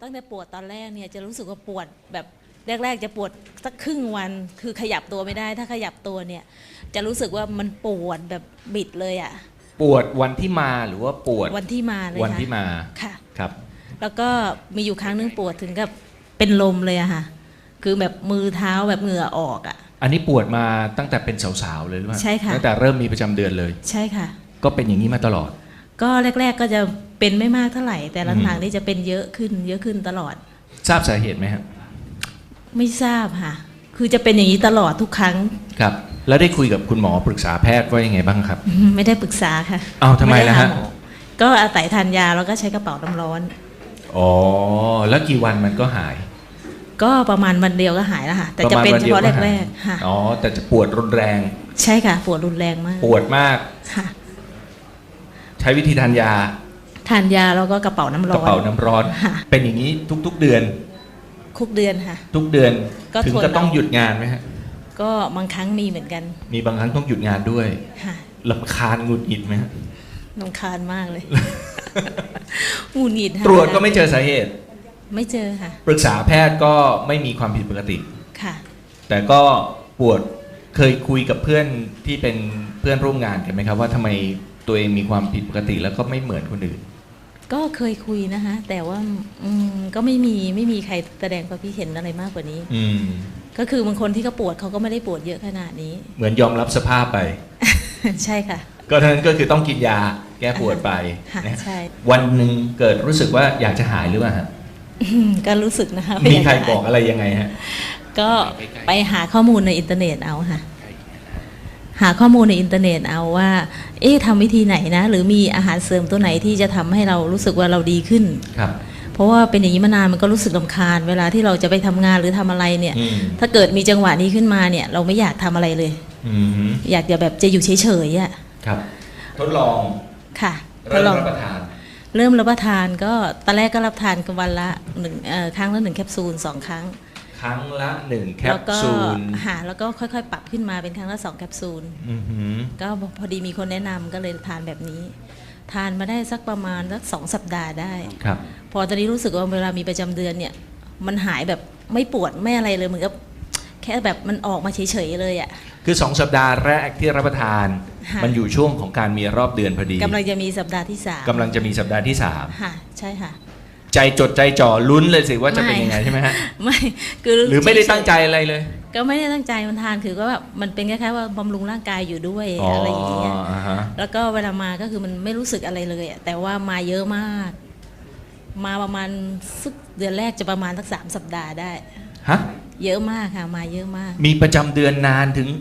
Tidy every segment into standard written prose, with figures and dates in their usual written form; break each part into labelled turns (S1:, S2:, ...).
S1: ตั้งแต่ปวดตอนแรกเนี่ยจะรู้สึกว่าปวดแบบแรกๆจะปวดสักครึ่งวันคือขยับตัวไม่ได้ถ้าขยับตัวเนี่ยจะรู้สึกว่ามันปวดแบบบิดเลยอ่ะ
S2: ปวดวันที่มาหรือว่าปวด
S1: วันที่มาเลย
S2: วันที่มา
S1: ค่ะ
S2: ครับ
S1: แล้วก็มีอยู่ครั้งนึงปวดถึงกับเป็นลมเลยอะค่ะคือแบบมือเท้าแบบเหงื่อออกอะ
S2: อันนี้ปวดมาตั้งแต่เป็นสาวๆเลยหรือเปล่า
S1: ใช่ค่ะ
S2: ตั้งแต่เริ่มมีประจำเดือนเลย
S1: ใช่ค่ะ
S2: ก็เป็นอย่างนี้มาตลอด
S1: ก็แรกๆก็จะเป็นไม่มากเท่าไหร่แต่หลังๆนี่จะเป็นเยอะขึ้นตลอด
S2: ทราบสาเหตุไหมครับ
S1: ไม่ทราบค่ะคือจะเป็นอย่างนี้ตลอดทุกครั้ง
S2: ครับแล้วได้คุยกับคุณหมอปรึกษาแพทย์ว่ายังไงบ้างครับ
S1: ไม่ได้ปรึกษาค่ะ
S2: อ้าวทำไมล่ะฮะ
S1: ก็อาศัยทานยาแล้วก็ใช้กระเป๋าน้ำร้อน
S2: อ๋อแล้วกี่วันมันก็หาย
S1: ก็ประมาณวันเดียวก็หายแล้วค่ะแต่จะเป็นเฉพาะแรกๆค่ะ
S2: อ๋อแต่จะปวดรุนแรง
S1: ใช่ค่ะปวดรุนแรงมาก
S2: ปวดมาก
S1: ค่ะ
S2: ใช้วิธีทานยา
S1: แล้วก็กระเป๋าน้ำร้อน
S2: เป็นอย่างนี้ทุกๆเดือน
S1: ทุกเดือนค่ะ
S2: ทุกเดือนถึงก็ต้องหยุดงานไหมฮะ
S1: ก็บางครั้งมีเหมือนกัน
S2: มีบางครั้งต้องหยุดงานด้วย
S1: ค่ะ
S2: รำคาญหงุดหงิดไหมฮะ
S1: รำคาญมากเลยหงุดหงิด
S2: ตรวจก็ไม่เจอสาเหตุ
S1: ไม่เจอค่ะ
S2: ปรึกษาแพทย์ก็ไม่มีความผิดปกติ
S1: ค่ะ
S2: แต่ก็ปวดเคยคุยกับเพื่อนที่เป็นเพื่อนร่วมงานกันไหมครับว่าทำไมตัวเองมีความผิดปกติแล้วก็ไม่เหมือนคนอื่น
S1: ก็เคยคุยนะคะแต่ว่าก็ไม่มีใครแสดงความคิดเห็นอะไรมากกว่านี้ก็คือบางคนที่เขาปวดเขาก็ไม่ได้ปวดเยอะขนาดนี้
S2: เหมือนยอมรับสภาพไป
S1: ใช่ค่ะ
S2: ก็ทั้งนั้นก็คือต้องกินยาแก้ปวดไป
S1: ใช่
S2: วันหนึ่งเกิดรู้สึกว่าอยากจะหายหรือเปล่าฮะ
S1: ก็รู้สึกนะคะ
S2: มีใครบอกอะไรยังไงฮะ
S1: ก็ไปหาข้อมูลในอินเทอร์เน็ตเอาค่ะหาข้อมูลในอินเทอร์เน็ตเอาว่าทำวิธีไหนนะหรือมีอาหารเสริมตัวไหนที่จะทำให้เรารู้สึกว่าเราดีขึ้น
S2: ครับ
S1: เพราะว่าเป็นอย่างนี้มานานมันก็รู้สึกรำคาญเวลาที่เราจะไปทำงานหรือทำอะไรเนี่ยถ้าเกิดมีจังหวะนี้ขึ้นมาเนี่ยเราไม่อยากทำอะไรเลยอยากจะแบบจะอยู่เฉยๆอ่ะ
S2: ครับทดลอง
S1: ค่ะ
S2: เริ่มรับประทาน
S1: ก็ตอนแรกก็รับทานกันวันละครั้งละ1 แคปซูล2 ครั้ง
S2: ครั้งละ1 แคปซูล
S1: แล้วก็ค่อยๆปรับขึ้นมาเป็นครั้งละ2 แคปซูลก็พอดีมีคนแนะนำก็เลยทานแบบนี้ทานมาได้สักประมาณสัก2 สัปดาห์ได้
S2: ครับ
S1: พอตอนนี้รู้สึกว่าเวลามีประจำเดือนเนี่ยมันหายแบบไม่ปวดไม่อะไรเลยเหมือนกับแค่แบบมันออกมาเฉยๆเลยอ่ะ
S2: คือ2 สัปดาห์แรกที่รับประทานมันอยู่ช่วงของการมีรอบเดือนพอดี
S1: กำลังจะมีสัปดาห์ที่3
S2: กำลังจะมีสัปดาห์ที่3
S1: ค่ะใช่ค่ะ
S2: ใจจดใจจ่อลุ้นเลยสิว่าจะเป็นยังไงใช่ไหมฮะ
S1: ไม่คือ
S2: หรือไม่ได้ตั้งใจอะไรเลย
S1: ก็ไม่ได้ตั้งใจมันทานคือก็แบบมันเป็นแค่ว่าบำรุงร่างกายอยู่ด้วยอะไรอย่างเงี้ยแล้วก็เวลามาก็คือมันไม่รู้สึกอะไรเลยแต่ว่ามาเยอะมากมาประมาณสักเดือนแรกจะประมาณสัก3 สัปดาห์ได้
S2: ฮะ
S1: เยอะมากค่ะมาเยอะมาก
S2: มีประจำเดือนนานถึง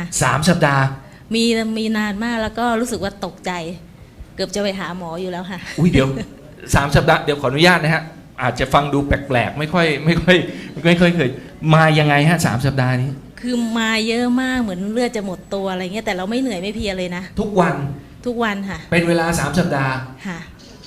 S2: 3 สัปดาห์
S1: มีนานมากแล้วก็รู้สึกว่าตกใจเกือบจะไปหาหมออยู่แล้วค่ะ
S2: อุ้ยเดี๋ยว3 สัปดาห์เดี๋ยวขออนุญาตนะฮะอาจจะฟังดูแปลกๆไม่ค่อยเคยมายังไงฮะ3 สัปดาห์นี้
S1: คือมาเยอะมากเหมือนเลือดจะหมดตัวอะไรเงี้ยแต่เราไม่เหนื่อยไม่เพลียเลยนะ
S2: ทุกวัน
S1: ค่ะ
S2: เป็นเวลา3 สัปดาห์
S1: ค่ะ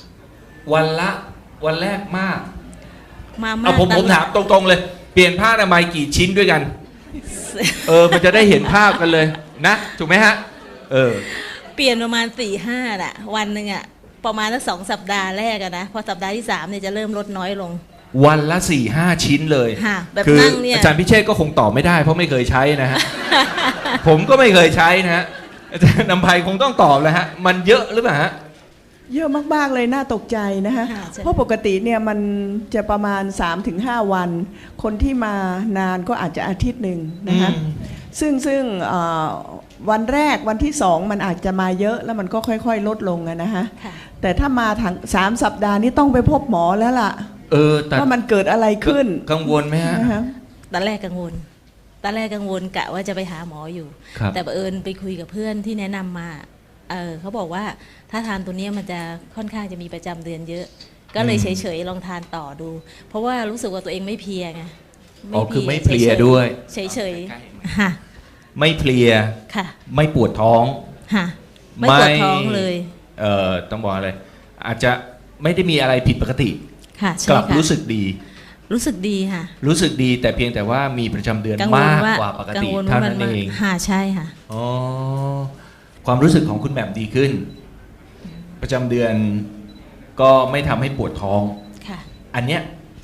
S2: วันแรกมาก
S1: เอา
S2: ผมถามตรงๆเลยเปลี่ยนผ้าอนามัยกี่ชิ้นด้วยกันมันจะได้เห็นภาพกันเลยนะถูกไหมฮะ
S1: เปลี่ยนประมาณ4-5น่ะวันหนึ่งอ่ะประมาณสัก2 สัปดาห์แรกอะนะพอสัปดาห์ที่3เนี่ยจะเริ่มลดน้อยลง
S2: วันละ 4-5 ชิ้นเลย
S1: แบบนั่งเนี่ย
S2: อาจารย์พิเชษก็คงตอบไม่ได้เพราะไม่เคยใช้นะฮะ ผมก็ไม่เคยใช้นะฮะอาจารย์นำไพคงต้องตอบแล้วฮะมันเยอะหรือเปล่าฮะ
S3: เยอะมากๆเลยน่าตกใจนะฮะเพราะปกติเนี่ยมันจะประมาณ 3-5 วันคนที่มานานก็อาจจะอาทิตย์หนึ่งนะฮะซึ่งวันแรกวันที่2มันอาจจะมาเยอะแล้วมันก็ค่อยๆลดลงนะฮะแต่ถ้ามาถึง3 สัปดาห์นี้ต้องไปพบหมอแล้วล่ะว่ามันเกิดอะไรขึ้น
S2: กังวลไหมฮะ
S1: ตอนแรกกังวลกะว่าจะไปหาหมออยู่แต่บังเอิญไปคุยกับเพื่อนที่แนะนำมาเขาบอกว่าถ้าทานตัวนี้มันจะค่อนข้างจะมีประจำเดือนเยอะก็เลยเฉยๆลองทานต่อดูเพราะว่ารู้สึกว่าตัวเองไม่เพลียไง
S2: คือไม่เพลียด้วย
S1: เฉยๆค่ะ
S2: ไม่เพลีย
S1: ค่ะ
S2: ไม่ปวดท้อง
S1: ค่ะไม่ปวดท้องเลย
S2: ต้องบอกอะไรอาจจะไม่ได้มีอะไรผิดปกติ
S1: ค่ะ
S2: กลับรู้สึกดี
S1: ค่ะ
S2: รู้สึกดีแต่เพียงแต่ว่ามีประจำเดือนมากกว่าปกติเท่านั้นเอง
S1: ค่ะใช่ค่ะ
S2: ความรู้สึกของคุณแหม่มดีขึ้นประจำเดือนก็ไม่ทำให้ปวดท้องอันเนี้ย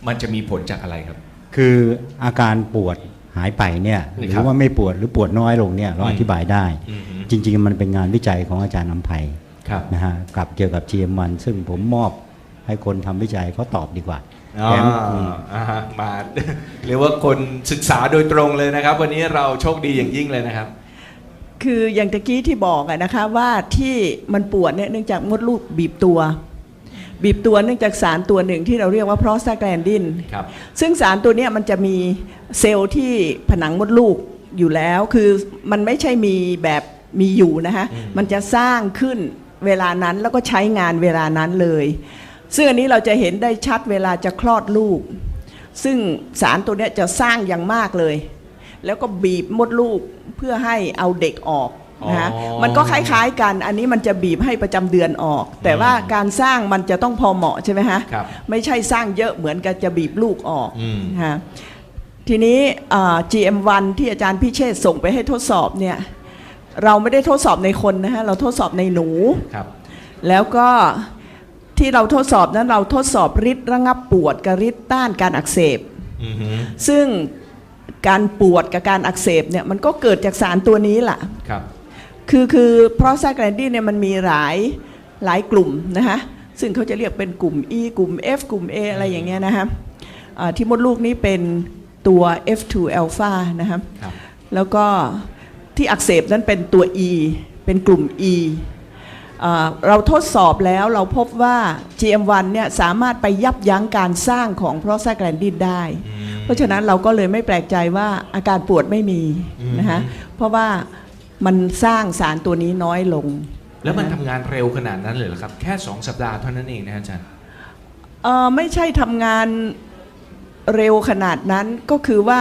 S2: มันจะมีผลจากอะไรครับ
S4: คืออาการปวดหายไปเนี่ยห
S2: นี่
S4: รื
S2: ครับ
S4: อว่าไม่ปวดหรือปวดน้อยลงเนี่ยเรา
S2: อืม
S4: อธิบายได้
S2: อืม
S4: จริงๆมันเป็นงานวิจัยของอาจารย์นำไพ
S2: ครับ
S4: นะฮะกับเกี่ยวกับ GM1 ซึ่งผมมอบให้คนทำวิจัยเขาตอบดีกว่า
S2: อ๋อ
S4: แถมอืม
S2: ฮะมา เรียกว่าคนศึกษาโดยตรงเลยนะครับ วันนี้เราโชคดีอย่างยิ่งเลยนะครับ
S3: คืออย่างตะกี้ที่บอกอะนะคะว่าที่มันปวดเนี่ยเนื่องจากมดลูกบีบตัวเนื่องจากสารตัวหนึ่งที่เราเรียกว่าโปรสตาแกลนดิน
S2: ครับ
S3: ซึ่งสารตัวเนี้ยมันจะมีเซลล์ที่ผนังมดลูกอยู่แล้วคือมันไม่ใช่มีแบบมีอยู่นะคะ
S2: อืม
S3: มันจะสร้างขึ้นเวลานั้นแล้วก็ใช้งานเวลานั้นเลยซึ่งอันนี้เราจะเห็นได้ชัดเวลาจะคลอดลูก ซึ่งสารตัวเนี้ยจะสร้างอย่างมากเลย แล้วก็บีบมดลูกเพื่อให้เอาเด็กออกนะคะ
S2: อ๋อ
S3: มันก็คล้ายๆกันอันนี้มันจะบีบให้ประจำเดือนออก แต่ว่าการสร้างมันจะต้องพอเหมาะใช่ไหมฮะ
S2: ครับ
S3: ไม่ใช่สร้างเยอะเหมือนกับจะบีบลูกออก
S2: อืม
S3: ฮะทีนี้GM1 ที่อาจารย์พิเชษฐ์ส่งไปให้ทดสอบเนี่ยเราไม่ได้ทดสอบในคนนะฮะเราทดสอบในหนู
S2: ครับ
S3: แล้วก็ที่เราทดสอบนั้นเราทดสอบฤทธิ์ระงับปวดกับฤทธิ์ต้านการอักเสบ
S2: อือฮึ
S3: ซึ่งการปวดกับการอักเสบเนี่ยมันก็เกิดจากสารตัวนี้แหละ
S2: ครับ
S3: คือโปรสตาแกลนดินเนี่ยมันมีหลายกลุ่มนะคะซึ่งเขาจะเรียกเป็นกลุ่ม E กลุ่ม F กลุ่ม A อะไรอย่างเงี้ยนะคะที่มดลูกนี้เป็นตัว F2 อัลฟานะครับ
S2: ครับ
S3: แล้วก็ที่อักเสบนั้นเป็นตัว E เป็นกลุ่ม E เราทดสอบแล้วเราพบว่า GM1 เนี่ยสามารถไปยับยั้งการสร้างของโปรสตาแกลนดินได้ เพราะฉะนั้นเราก็เลยไม่แปลกใจว่าอาการปวดไม่มีนะคะเพราะว่ามันสร้างสารตัวนี้น้อยลง
S2: แล้วมันทำงานเร็วขนาดนั้นเลยเหรอครับ แค่ 2 สัปดาห์เท่านั้นเองนะอาจารย์
S3: ไม่ใช่ทำงานเร็วขนาดนั้นก็คือว่า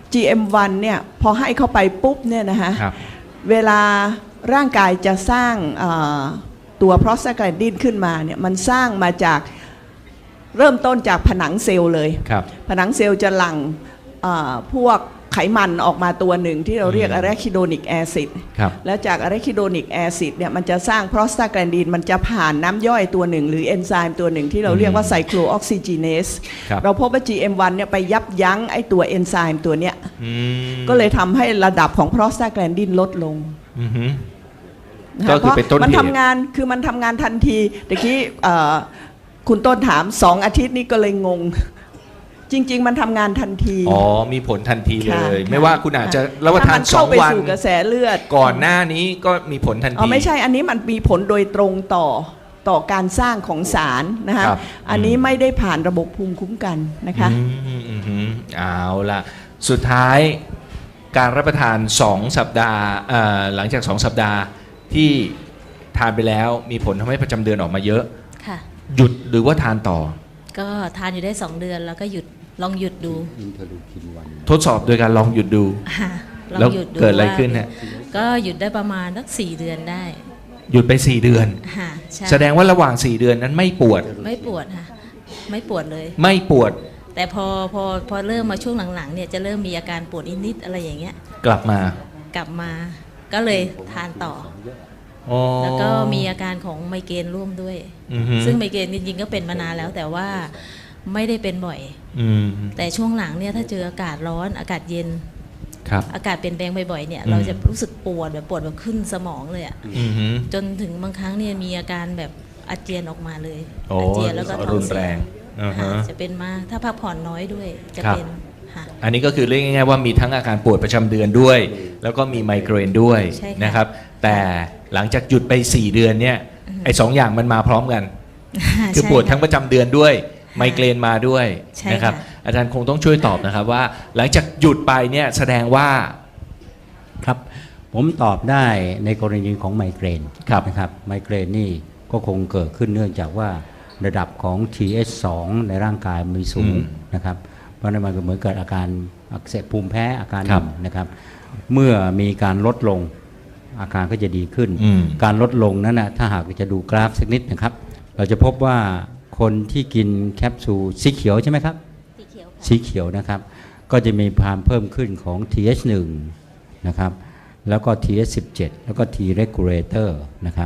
S3: GM1 เนี่ยพอให้เข้าไปปุ๊บเนี่ยนะคะ
S2: ครับ
S3: เวลาร่างกายจะสร้างตัวโปรสตาแกลนดินขึ้นมาเนี่ยมันสร้างมาจากเริ่มต้นจากผนังเซลล์เลย
S2: ครับ
S3: ผนังเซลล์จะหลั่งพวกไขมันออกมาตัวหนึ่งที่เราเรียกอะแรคิโดนิกแอซิด
S2: ครับ
S3: แล้วจากอะแรคิโดนิกแอซิดเนี่ยมันจะสร้างโปรสตาแกลนดินมันจะผ่านน้ำย่อยตัวหนึ่งหรือเอนไซม์ตัวหนึ่งที่เราเรียกว่าไซโคลออกซิจีเนส
S2: ครับ
S3: เราพบว่า GM1 เนี่ยไปยับยั้งไอตัวเอนไซม์ตัวเนี้ย
S2: อืม
S3: ก็เลยทำให้ระดับของโปรสตาแกลนดินลดลง
S2: อือฮึ
S3: นะ
S2: ก็
S3: คะ
S2: คือเป็นต้นเหตุ
S3: มันทำงานคือมันทำงานทันทีตะกี้คุณต้นถาม2 อาทิตย์นี่ก็เลยงง จริง ๆ มันทำงานทันที
S2: อ๋อ มีผลทันทีเล
S3: ค่ะ
S2: ย
S3: ค่ะ
S2: ไม่ว่าคุณอาจจะรับประทาน
S3: ถ้มันเข้าไป
S2: 2 วัน
S3: สู่กระแสเลือด
S2: ก่อนหน้านี้ก็มีผลทันที
S3: อ๋อไม่ใช่อันนี้มันมีผลโดยตรงต่อการสร้างของสารนะคะ
S2: ครับ
S3: อันนี้ไม่ได้ผ่านระบบภูมิคุ้มกันนะคะ
S2: เอาล่ะ สุดท้ายการรับประทาน 2 สัปดาห์หลังจาก 2 สัปดาห์ที่ทานไปแล้วมีผลทำให้ประจำเดือนออกมาเยอะ
S1: ค่ะ
S2: หยุดหรือว่าทานต่อ
S1: ก็ทานอยู่ได้ 2 เดือนแล้วก็ลองหยุดดู
S4: อินเทอร์ลูคิน1
S2: ทดสอบโดยการลองหยุดดู
S1: ค่ะลอง
S2: แล้ว
S1: หยุดดู
S2: เกิดอะไร
S1: ว่า
S2: ขึ้นฮะ
S1: ก็หยุดได้ประมาณสัก4 เดือนได้
S2: หยุดไป 4 เดือน
S1: ค่ะใช่
S2: แสดงว่าระหว่าง 4 เดือนนั้นไม่ปวด
S1: ไม่ปวดค่ะ ไม่ปวดเลย
S2: ไม่ปวด
S1: แต่พอเริ่มมาช่วงหลังๆเนี่ยจะเริ่มมีอาการปวดนิดๆอะไรอย่างเงี้ย
S2: กลับมา
S1: กลับมาก็เลยทานต่อ
S2: อ๋อ
S1: แล้วก็มีอาการของไมเกรนร่วมด้วย
S2: อือฮึ
S1: ซึ่งไมเกรนจริงๆก็เป็นมานานแล้วแต่ว่าไม่ได้เป็นบ่อย
S2: อืม
S1: แต่ช่วงหลังเนี่ยถ้าเจออากาศร้อนอากาศเย็น
S2: ครับ
S1: อากาศเปลี่ยนแปลงบ่อยๆเนี่ย
S2: อืม
S1: เราจะรู้สึกปวดแบบขึ้นสมองเลยอะ
S2: อือฮึ
S1: จนถึงบางครั้งเนี่ยมีอาการแบบอาเจียนออกมาเลย
S2: โอ้
S1: อาเจียนแล้วก็ท้อ
S2: รุ
S1: ง
S2: น
S1: เสี
S2: แร
S1: ย
S2: งอ่าฮะ
S1: ค่ะจะเป็นมาถ้าพักผ่อนน้อยด้วยจะ
S2: ครับ
S1: เป็นค่ะ
S2: อันนี้ก็คือเรียกง่ายๆว่ามีทั้งอาการปวดประจำเดือนด้วย แล้วก็มีไมเกรนด้วย
S1: ใช่ค่ะ
S2: นะครับ แต่หลังจากหยุดไป 4 เดือนเนี่ยไอ้2 อย่างมันมาพร้อมกัน คือ
S1: ใช่
S2: ปวด
S1: ค่ะ
S2: ทั้งประจำเดือนด้วย ไมเกรนมาด้วย
S1: ใช่
S2: นะครับ
S1: ค่ะ
S2: อาจารย์คงต้องช่วยตอบนะครับว่า หลังจากหยุดไปเนี่ยแสดงว่า
S4: ครับผมตอบได้ในกรณีของไมเกรน
S2: ครับ
S4: นะครับไมเกรนนี่ก็คงเกิดขึ้นเนื่องจากว่าระดับของ TH2 ในร่างกายมีสูงนะครับเพราะนั้นมันก็เหมือนเกิดอาการอักเสบภูมิแพ้อาการหนึ่งนะครับเมื่อมีการลดลงอาการก็จะดีขึ้น การลดลงนั้นนะถ้าหากจะดูกราฟสักนิดนะครับเราจะพบว่าคนที่กินแคปซูลสีเขียวใช่ไหมครับ
S1: สีเขียวค่ะ
S4: สีเขียวนะครับก็จะมีความเพิ่มขึ้นของ TH1 นะครับแล้วก็ TH17 แล้วก็ T regulator นะครับ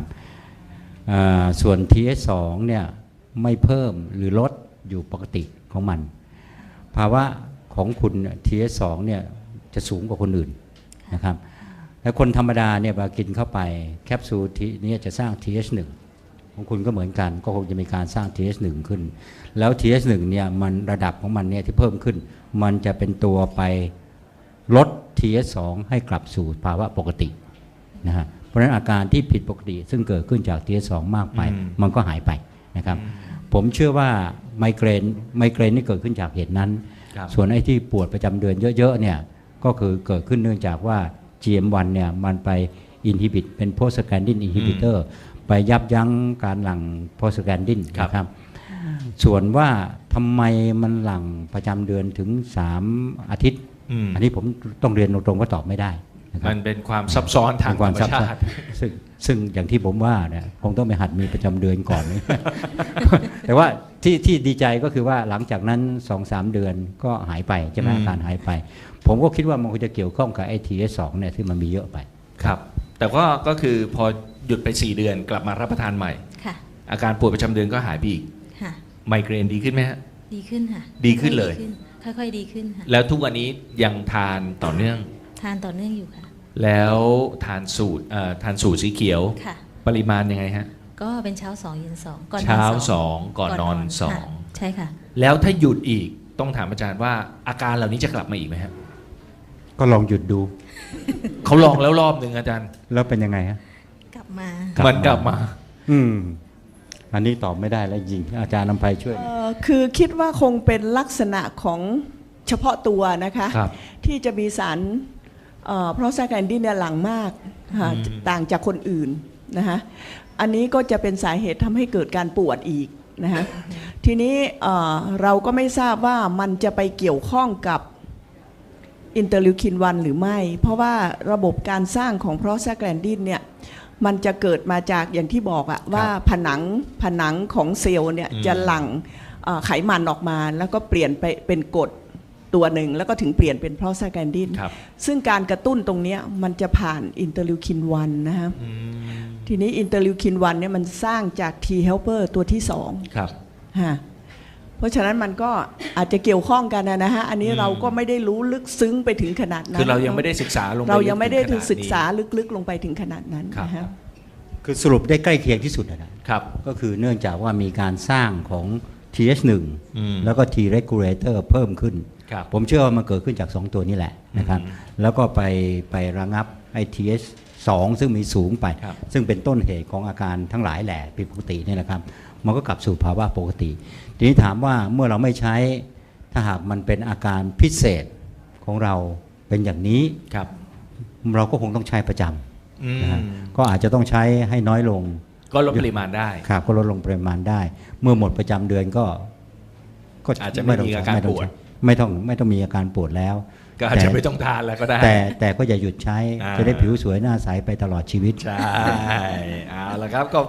S4: ส่วน TH2 เนี่ยไม่เพิ่มหรือลดอยู่ปกติของมันภาวะของคุณ TH2 เนี่ยจะสูงกว่าคนอื่นนะครับแล้วคนธรรมดาเนี่ยพอกินเข้าไปแคปซูลนี้จะสร้าง TH1 ของคุณก็เหมือนกันก็คงจะมีการสร้าง TH1 ขึ้นแล้ว TH1 เนี่ยมันระดับของมันเนี่ยที่เพิ่มขึ้นมันจะเป็นตัวไปลด TH2 ให้กลับสู่ภาวะปกตินะฮะเพราะฉะนั้นอาการที่ผิดปกติซึ่งเกิดขึ้นจาก TH2 มากไปมันก็หายไปนะครับผมเชื่อว่าไมเกรนนี่เกิดขึ้นจากเหตุนั้นส่วนไอ้ที่ปวดประจำเดือนเยอะๆเนี่ยก็คือเกิดขึ้นเนื่องจากว่า GM1 เนี่ยมันไปอินฮิบิตเป็นโพสแกนดินอินฮิบิเตอร์ไปยับยั้งการหลั่งโพสแกนดินนะครับส่วนว่าทำไมมันหลั่งประจำเดือนถึง3อาทิตย์อันนี้ผมต้องเรียนตรงๆว่าตอบไม่ได้นะครับ
S2: มันเป็นความซับซ้อนทางธรรมชาติ
S4: ซึ่งอย่างที่ผมว่าเนี่ยคงต้องไปหัดมีประจำเดือนก่อน แต่ว่าที่ดีใจก็คือว่าหลังจากนั้น 2-3 เดือนก็หายไปใช่ไหมอาการหายไปผมก็คิดว่ามันคงจะเกี่ยวข้องกับไอ้ TH2 เนี่ยที่มันมีเยอะไป
S2: ครับแต่ก็คือพอหยุดไป4 เดือนกลับมารับประทานใหม่
S1: ค่ะ
S2: อาการปวดประจำเดือนก็หายไปอีก
S1: ค่ะ
S2: ไมเกรนดีขึ้นไหมฮะ
S1: ดีขึ้นค่ะ
S2: ดีขึ้นเลย
S1: ค่อยๆดีขึ้นค่ะ
S2: แล้วทุกวันนี้ยังทานต่อเนื่อง
S1: ทานต่อเนื่องอยู่ค่ะ
S2: แล้วทานสูตรสีเขียว
S1: ค่ะ
S2: ปริมาณยังไงฮะ
S1: ก็เป็นเช้า2เย็น2ก่อนนอน2
S2: เช้า2ก่อนนอน2
S1: ใช่ค่ะ
S2: แล้วถ้าหยุดอีกต้องถามอาจารย์ว่าอาการเหล่านี้จะกลับมาอีกไหมฮะ
S4: ก็ลองหยุดดู
S2: เขาลองแล้วรอบหนึ่งอาจารย์
S4: แล้วเป็นยังไงฮะ
S1: กลับมา
S2: มันกลับมา
S4: อันนี้ตอบไม่ได้แล้วจริงอาจารย์นำไพช่วย
S3: คือคิดว่าคงเป็นลักษณะของเฉพาะตัวนะคะที่จะมีสารเพราะแซกแอนดินเนี่ยหลั่งมากต่างจากคนอื่นนะคะอันนี้ก็จะเป็นสาเหตุทำให้เกิดการปวดอีกนะคะทีนี้เราก็ไม่ทราบว่ามันจะไปเกี่ยวข้องกับอินเตอร์ลิวคิน1หรือไม่เพราะว่าระบบการสร้างของโปรสแกลนดินเนี่ยมันจะเกิดมาจากอย่างที่บอกอะว่าผนังของเซลล์เนี่ยจะหลั่งไขมันออกมาแล้วก็เปลี่ยนไปเป็นกรดตัวหนึ่งแล้วก็ถึงเปลี่ยนเป็นโปรสแกลนดินซึ่งการกระตุ้นตรงนี้มันจะผ่านอินเตอร์ลิวคิน1นะครับทีนี้อินเตอร์ลิวคิน1เนี่ยมันสร้างจาก T helper ตัวที่2
S2: ครับ
S3: เพราะฉะนั้นมันก็อาจจะเกี่ยวข้องกันนะฮะอันนี้เราก็ไม่ได้รู้ลึกซึ้งไปถึงขนาดนั้น
S2: คือเรายังไม่ได้ศึกษาลงไป
S3: เรายังไม่ได้ศึกษาลึกๆลงไปถึงขนาดนั้นนะครับ
S4: คือสรุปได้ใกล้เคียงที่สุดนะครับก็คือเนื่องจากว่ามีการสร้างของ TH1 แล้วก็ T regulator เพิ่มขึ้นผมเชื่อว่ามันเกิดขึ้นจาก2ตัวนี้แหละนะครับแล้วก็ไประงับไอ้ TH2 ซึ่งมีสูงไปซึ่งเป็นต้นเหตุของอาการทั้งหลายแหละผิดปกตินี่แหละครับมันก็กลับสู่ภาวะปกติทีนี้ถามว่าเมื่อเราไม่ใช้ถ้าหากมันเป็นอาการพิเศษของเราเป็นอย่างนี้เราก็คงต้องใช้ประจำนะก็อาจจะต้องใช้ให้น้อยลง
S2: ก็ลดปริมาณได้
S4: ครับก็ลดลงปริมาณได้เมื่อหมดประจำเดือนก็
S2: อาจจะไม่มีอาการปวด
S4: ไม่ต้องมีอาการปวดแล้ว
S2: ก็อาจจะไม่ต้องทานแล้วก็ได้
S4: แต่ก็อย่าหยุดใช้จะได้ผิวสวยหน้าใสไปตลอดชีวิต
S2: ใช่เอาละครับก็